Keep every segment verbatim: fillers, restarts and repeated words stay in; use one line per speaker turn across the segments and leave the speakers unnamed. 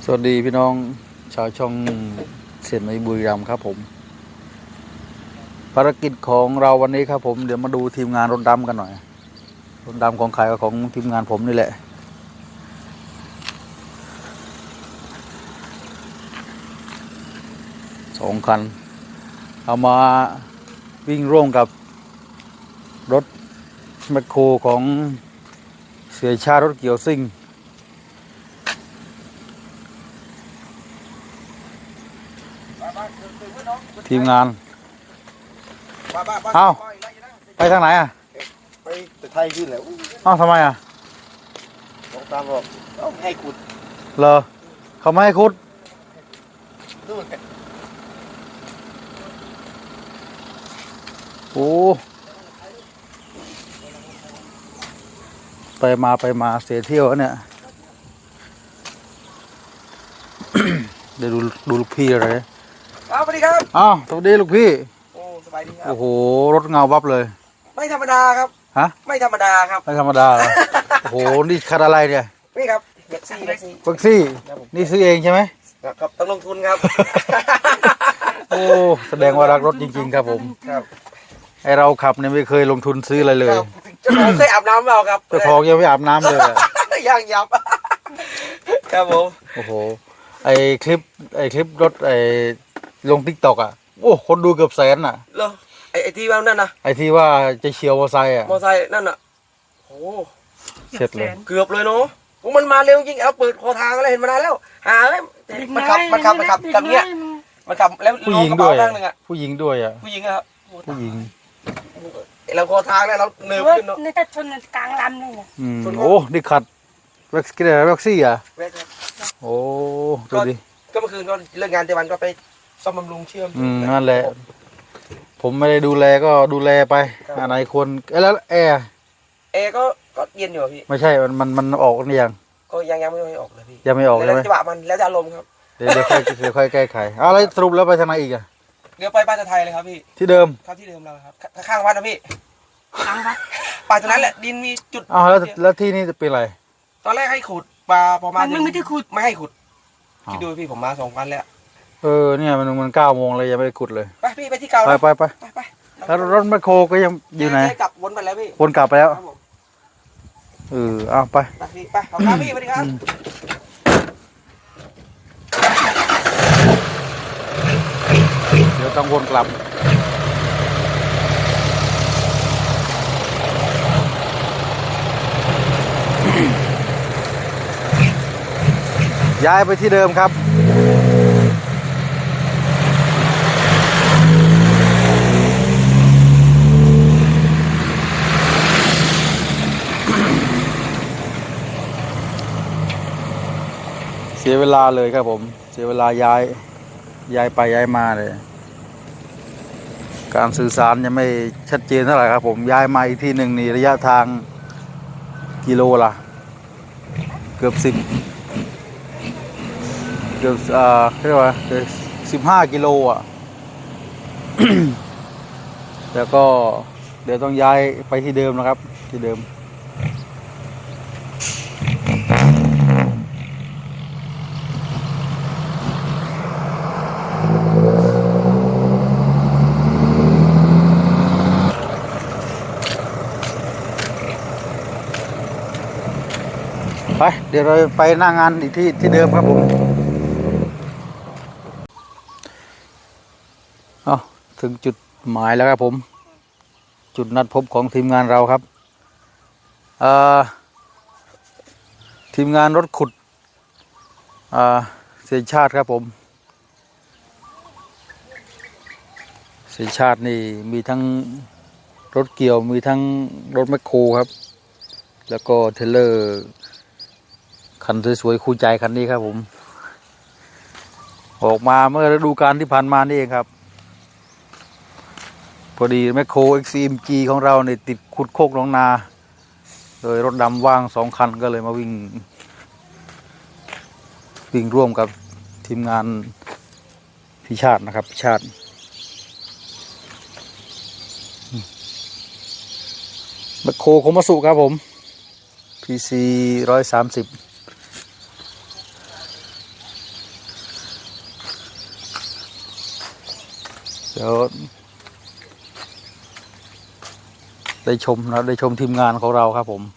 สวัสดีพี่น้องชาวช่องเสียนในบุรีรัมย์ครับผมภารกิจของเราวันนี้ครับผมเดี๋ยวมาดูทีมงานรถดำกันหน่อยรถดำของใครก็ของทีมงานผมนี่แหละสองคันเอามาวิ่งร่วมกับรถแมคโครของเสียชาติรถเกี่ยวซิ่งทีมงานเอ้าไปทางไหนอ่ะ
ไปแต่ไทยขึ้นแล้ว
เอ้าทำไมอ่ะ
ลงตามบอกต้องให้ขุด
เหรอเขาไม่ให้ขุด
ดู
โอ้ไปมาไปมาเสียเที่ยวเนี่ย เดี๋ยวดูดูลูกพี่อะไร
ครับสวัสดีครับ
อ้าวสวัสดีลูกพี่
โอ้สบายดีครับ
โอ้โหรถเงาวับเลย
ไม่ธรรมดาครับ
ฮะ
ไม่ธรรมดาครับ
ไม่ธรรมดาเลยโอ้โหนี่คันอะไรเนี่ย
นี่ครับแท็กซี่แท็กซี่
แท็กซี่นี่ซื้อเองใช่ไหม
ครับต้องลงทุนครับ
โอ้แสดงว่ารักรถจริงๆครับผม
ครับ
ไอเราขับเนี่ยไม่เคยลงทุนซื้ออะไรเลย
เจ้าของเคยอาบน้ำเปล่าครับ
เจ้าของยังไม่อาบน้ำเลย
ยังยับครับผม
โอ้โหไอคลิปไอคลิปรถไอลงทิกตอกอ่ะโอ้คนดูเกือบแสนอ่ะ
เหรอไอไอที่ว่านั่นนะ
ไอที่ว่าจะเฉียวมอไซค์อ่ะ
มอไซค์นั่นอ่ะโอ้
เสร็จเลย
เกือบเลยเนาะมันมาเร็วจริงเอาเปิดคอทางอะไรเห็นมานานแล้วหาเลยมันขับมันขับมันขับแบบเนี้ยมันขับแล้ว
ผู้หญิงด้วยผู้หญิงด้วยอ่ะ
ผู้หญิงครับ
ผู้หญิง
เราคอทางแล้วเราเนิบขึ้นเนาะ
นี่ถ้าชนกลางลำเลยเนี่ย
อืมโอ้ดิขัดแว็กซี่แว็กซี่อ่ะโอ้ดูดิ
ก็เมื่อคืนก็เลิกงานเจวันก็ไปซ่อมบำรุงเชื่อม
อืมนั่นแหละผมไม่ได้ดูแลก็ดูแลไปอะไรควรแล้วแอร์
แอร์ก็ก็เย็นอยู่พี่
ไม่ใช่มันมันมันออกนี่ยัง
ก็ยังยังไม่ออกเลยพี่
ยังไม่ออกเลย
แล้วจังหวะมันแล้วจะอารมณ์ครับ
เดี๋ยวเดี๋ยวค่อยเดี๋ยวค่อยแก้ไขเอาแล้วสรุปแล้วไปทางไหนอีกอะ
เดี๋ยวไปบ้านไทยเลยครับพี่
ที่เดิม
ครับที่เดิมเราครับข้างวัดนะพี่ข้างวัดป่าตรงนั้นแหละดินมีจุด
อ้าวแล้วแล้วที่นี่จะเป็นอะไร
ตอนแรกให้ขุดปลาพอมา
มันไม่ได้ขุด
ไม่ให้ขุดคิดดูพี่ผมมาสองวันแล้ว
เออเนี่ยมันมันเก้าโมงเลยยังไม่ได้ขุดเลย
ไปพี่ไปที่เก่า
ไปไปไป
ไป
แล้วรถแมคโครก็ยังอยู่ไหน
กลับวนไปแล้วพี่
วนกลับไปแล้วเออเอาไป
ไปพี่ไปขอบคุณพี่สวัสดีครับ
เดี๋ยวต้องวนกลับย้ายไปที่เดิมครับเสียเวลาเลยครับผมเสียเวลาย้ายย้ายไปย้ายมาเลยการสื่อสารยังไม่ชัดเจนเท่าไหร่ครับผมย้ายมาอีกที่หนึ่งนี่ระยะทางกิโลละเกือบสิบเกือบอ่าเรียกว่าสิบห้ากิโลอ่ะ แล้วก็เดี๋ยวต้องย้ายไปที่เดิมนะครับที่เดิมไปเดี๋ยวเราไปหน้างานอีกที่ที่เดิมครับผมเอาถึงจุดหมายแล้วครับผมจุดนัดพบของทีมงานเราครับเอ่อทีมงานรถขุดอ่าเสียชาติครับผมเสียชาตินี่มีทั้งรถเกี่ยวมีทั้งรถแมคโครครับแล้วก็เทเลอร์คันสวยๆคู่ใจคันนี้ครับผมออกมาเมื่อฤดูกาลที่ผ่านมานี่เองครับพอดีแมคโคร เอ็กซ์ ซี เอ็ม จี ของเราเนี่ยติดขุดโคกหนองนาโดยรถดำว่างสองคันก็เลยมาวิ่งวิ่งร่วมกับทีมงานพิชาตินะครับพิชาติแมคโครโคมัสุครับผม พี ซี ร้อยสามสิบเดี๋ยวได้ชมนะได้ชมทีมงานของเราครับผม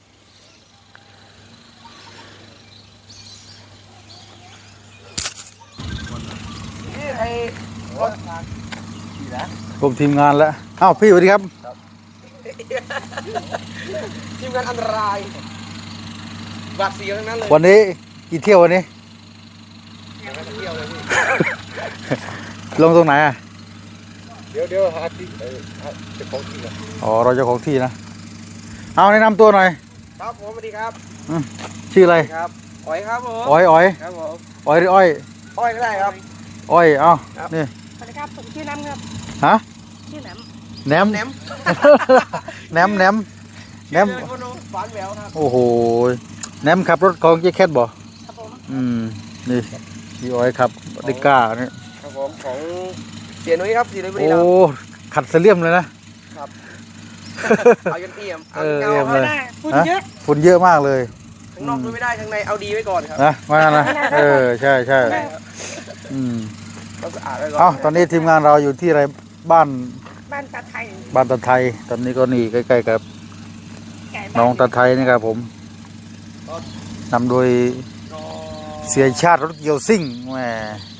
ชมทีมงานแล้วอ้าวพี่สวัสดีครับ
ทีมงานอันตรายบาดเสียวทั้งนั้นเลย
วันนี้กี่เที่ยววันนี้
เที่ยวเลยพี่
ลงตรงไหนอ่ะ
เดี๋ยวเดี๋ยวหาที่เออหาเจ้าของที่ก่อน
อ๋อเราเจ้าของที่นะเอาแนะนำตัวหน่อย
ครับผมสวัสดีครับ
อืมชื่ออะไร
ครับอ้อยครับผม
อ้อยอ้อย
ครับผม
อ้อยหรืออ้อย
อ้อยก็ได้ครับ
อ้อยเอา
ครับ
นี่
สวัสดีครับผมชื่อน้ำครับ
ฮะ
ชื่อน้
แหนม
แหนม
แหนมแหนมแหนม
ชื่อเล่นคนหวานแหววครับ
โอ้โหแหนมขับรถของเจ๊แคทบ่
ำครับผม
อืมนี่พี่อ้อยขับดิก้านี่
ครับผมของเสียนุ้ยครับเสียนุ้ยบุรี
โอ้
รัมย์
ขัดเสลี่ยมเลยนะครับ
เอายันเอี่ยมเอา
เออ
เงา
เอี่ยม
ค
เล
รับ
ย
ได้พูดเยอะ
ฝุ่นเยอะมากเลย
ข้างนอกดูไม่ได้ข้างในเอาดีไว้ก่อนครับ
นะมานะเออใช่ใช่อืม
ต้องสะอาดไว้ก่อน
เอ้าตอนนี้ทีมงานเราอยู่ที่อะไรบ้าน
บ้านตาไทย
บ้านตาไทย ตอนนี้ก็นี่ใกล้ๆกับ
ไก่บ้า
น้องตาไทยนี่ครับผมนำโดย
ก็
เสียชาติรถเกียวซิ่งแหม